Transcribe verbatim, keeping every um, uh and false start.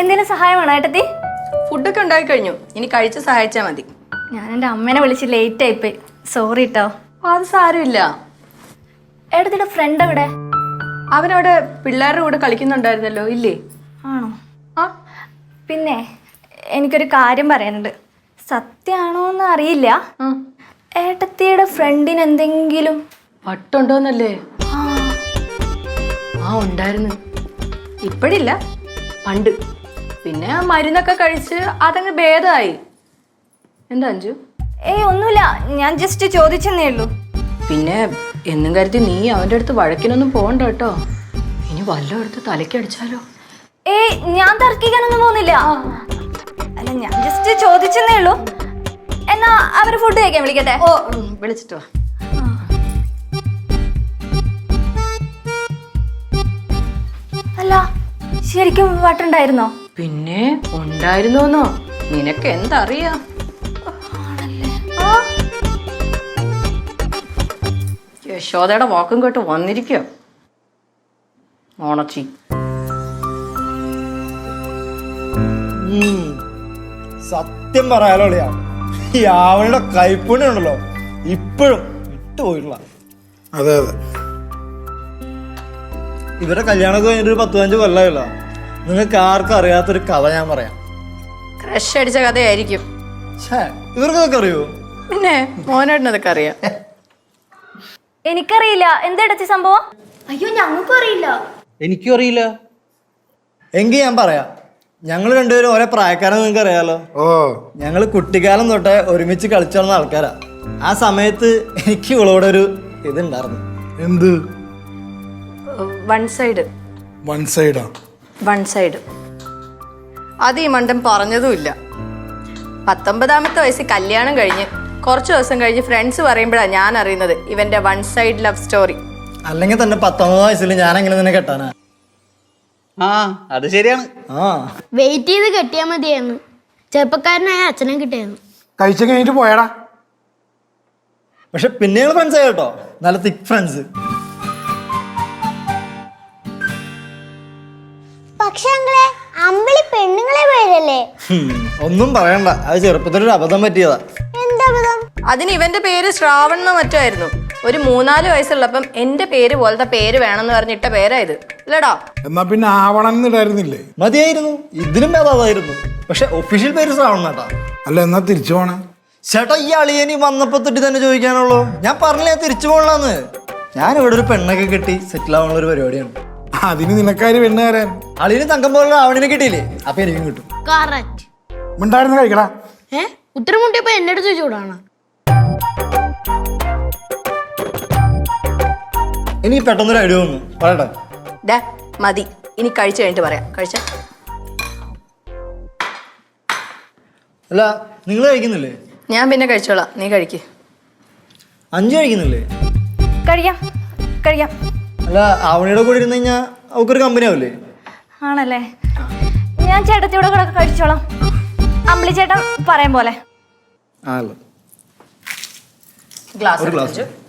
എന്തെങ്കിലും സഹായമാണോ ഏട്ടത്തി? ഫുഡൊക്കെ ഉണ്ടാക്കി കഴിഞ്ഞു, ഇനി കഴിച്ച് സഹായിച്ചാൽ മതി. ഞാൻ എൻ്റെ അമ്മേനെ വിളിച്ച് ലേറ്റ് ആയിപ്പോയി, സോറി കേട്ടോ. അത് സാരമില്ല. ഏട്ടത്തിയുടെ ഫ്രണ്ട് എവിടെ? അവനവിടെ പിള്ളേരുടെ കൂടെ കളിക്കുന്നുണ്ടായിരുന്നല്ലോ, ഇല്ലേ? ആണോ? ആ പിന്നെ എനിക്കൊരു കാര്യം പറയാനുണ്ട്. സത്യമാണോ എന്ന് അറിയില്ല. ഏട്ടത്തിയുടെ ഫ്രണ്ടിന് എന്തെങ്കിലും വട്ടുണ്ടോന്നല്ലേ? ആ ഉണ്ടായിരുന്നു, ഇപ്പഴില്ല, പണ്ട്. പിന്നെ ആ മരുന്നൊക്കെ കഴിച്ച് അതങ്ങ് ഭേദമായി. എന്താ അഞ്ജു? ഏയ് ഒന്നുമില്ല, ഞാൻ ജസ്റ്റ് ചോദിച്ചെന്നേ ഉള്ളൂ. പിന്നെ എന്നും കരുതി നീ അവൻ്റെ അടുത്ത് വഴക്കിനൊന്നും പോകണ്ട കേട്ടോ. ഇനി വല്ലതും എടുത്ത് തലയ്ക്കടിച്ചാലോ? ഏയ് ഞാൻ തർക്കിക്കാനൊന്നും പോകുന്നില്ല. അല്ല, ഞാൻ ജസ്റ്റ് ചോദിച്ചെന്നേ ഉള്ളൂ. എന്നാ അവര് ഫുഡ് കഴിക്കാൻ വിളിക്കട്ടെ? ഓ വിളിച്ചിട്ട് വാ. അല്ല, ശരിക്കും വട്ടുണ്ടായിരുന്നോ? പിന്നെ ഉണ്ടായിരുന്നോന്നോ? നിനക്ക് എന്തറിയാ? യശോദയുടെ വാക്കും കേട്ട് വന്നിരിക്കോ ഓണച്ചി. സത്യം പറയാലോളിയാ, ഈ ആവണിയുടെ കൈപ്പുണ്യം ഉണ്ടല്ലോ ഇപ്പോഴും വിട്ടുപോയിട്ടുള്ള. അതെ അതെ, ഇവരുടെ കല്യാണമൊക്കെ കഴിഞ്ഞിട്ട് ഒരു പത്ത് പതിനഞ്ച് കൊല്ലമല്ലോ. നിങ്ങൾക്ക് ആർക്കും അറിയാത്തൊരു കഥ ഞാൻ പറയാം. ക്രഷ് അടിച്ച കഥയായിരിക്കും. ഇവർക്കൊക്കെ അറിയോ? പിന്നെ മോനേട്ടനതൊക്കെ അറിയാം. എനിക്കറിയില്ല. എന്തെടുത്തി സംഭവം? അയ്യോ, ഞങ്ങൾക്കും അറിയില്ല. എനിക്കും അറിയില്ല. എങ്കിൽ ഞാൻ പറയാം. ഞങ്ങൾ രണ്ടുപേരും ഒരേ പ്രായക്കാരെന്ന് നിങ്ങൾക്ക് അറിയാലോ. ഓ, ഞങ്ങൾ കുട്ടിക്കാലം തൊട്ടേ ഒരുമിച്ച് കളിച്ചു നടന്ന ആൾക്കാരാ. ആ സമയത്ത് എനിക്ക് ഇവളോടെ ഒരു ഇതുണ്ടായിരുന്നു. എന്ത്? One side. വൺ സൈഡാ? One side. അത് ഈ മണ്ടൻ പറഞ്ഞതുമില്ല. പത്തൊമ്പതാമത്തെ വയസ്സിൽ കല്യാണം കഴിഞ്ഞ് കുറച്ച് ദിവസം കഴിഞ്ഞ് ഫ്രണ്ട്സ് പറയുമ്പോഴാണ് ഞാൻ അറിയുന്നത് ഇവന്റെ വൺ സൈഡ് ലവ് സ്റ്റോറി. അല്ലെങ്കിൽ തന്നെ പത്തൊമ്പത് വയസ്സിൽ ഞാൻ എങ്ങനെ നിന്നെ കെട്ടാനാ? ആ അത് ശരിയാണ്. ആ വെയിറ്റ് ചെയ്ത് കെട്ടിയാൽ മതിയായിരുന്നു. ചെറുപ്പക്കാരനായ അച്ഛനെ കിട്ടിയായിരുന്നു. കഴിച്ചു കഴിഞ്ഞിട്ട് പോയടാ. പക്ഷെ പിന്നെ ഞങ്ങൾ ഫ്രണ്ട്സ് ആയി കേട്ടോ, നല്ല തിക് ഫ്രണ്ട്സ്. പക്ഷെ അങ്ങളെ അമ്പിളി പെണ്ണുങ്ങളെ പേരല്ലേ? ഒന്നും പറയണ്ട, അത് ചെറുപ്പത്തിലൊരു അബദ്ധം പറ്റിയതാ. എന്താ അബദ്ധം? അതിന് ഇവന്റെ പേര് ശ്രാവൺ എന്നോ മറ്റോ ആയിരുന്നു. ഒരു മൂന്നാല് വയസ്സുള്ളപ്പം എന്റെ പേര് പോലത്തെ പേര് വേണമെന്ന് പറഞ്ഞിട്ട പേരായത് അല്ലടാ. എന്നാ പിന്നെ ആവണം ഇടായിരുന്നില്ലേ? മതിയായിരുന്നു, ഇതിലും ഭേദമായിരുന്നു. പക്ഷെ ഒഫീഷ്യൽ പേര് ശ്രാവൺ കേട്ടാ. അല്ല, എന്നാ തിരിച്ചു പോണേ? ചേട്ടാ, ഈ അളിയനി വന്നപ്പോ തൊട്ടി തന്നെ ചോദിക്കാനുള്ളൂ. ഞാൻ പറഞ്ഞില്ല ഞാൻ തിരിച്ചു പോകണമെന്ന്. ഞാൻ ഇവിടെ ഒരു പെണ്ണൊക്കെ കെട്ടി സെറ്റിൽ ആവാനുള്ള ഒരു പരിപാടിയാണ്. അതിന് നിനക്കാര് പെണ്ണ് തരാൻ? അളിയന് തങ്കം പോലുള്ള ആവണിനെ കിട്ടിയില്ലേ, അപ്പൊ എനിക്കും കിട്ടും. കറക്റ്റ്. മിണ്ടായിരുന്നു കഴിക്കടാ. ഏ ഉത്തരം മുട്ടിയപ്പോ എന്റെ അടുത്ത് ചൂടാണ്. ഇനി പെട്ടെന്നൊരു ഐഡിയ വന്നു, പറയട്ടെ? ഡാ മതി, ഇനി കഴിച്ചു കഴിഞ്ഞിട്ട് പറയാം. കഴിച്ച അല്ല, നിങ്ങൾ കഴിക്കുന്നില്ലേ? ഞാൻ പിന്നെ കഴിച്ചോളാം, നീ കഴിക്ക്. അഞ്ചു കഴിക്കുന്നില്ലേ? കഴിയാം കഴിയാം. അല്ല, ആവണിയുടെ കൂടെ ഇരുന്ന് കഴിഞ്ഞാൽ അവക്കൊരു കമ്പനി ആവില്ലേ? ആണല്ലേ? ഞാൻ ചേട്ടത്തിയുടെ കൂടെ ഒക്കെ കഴിച്ചോളാം. അമ്പിളി ചേട്ടൻ പറയാൻ പോലെ. ആണല്ലോ. ഗ്ലാസ് ഒരു ഗ്ലാസ്.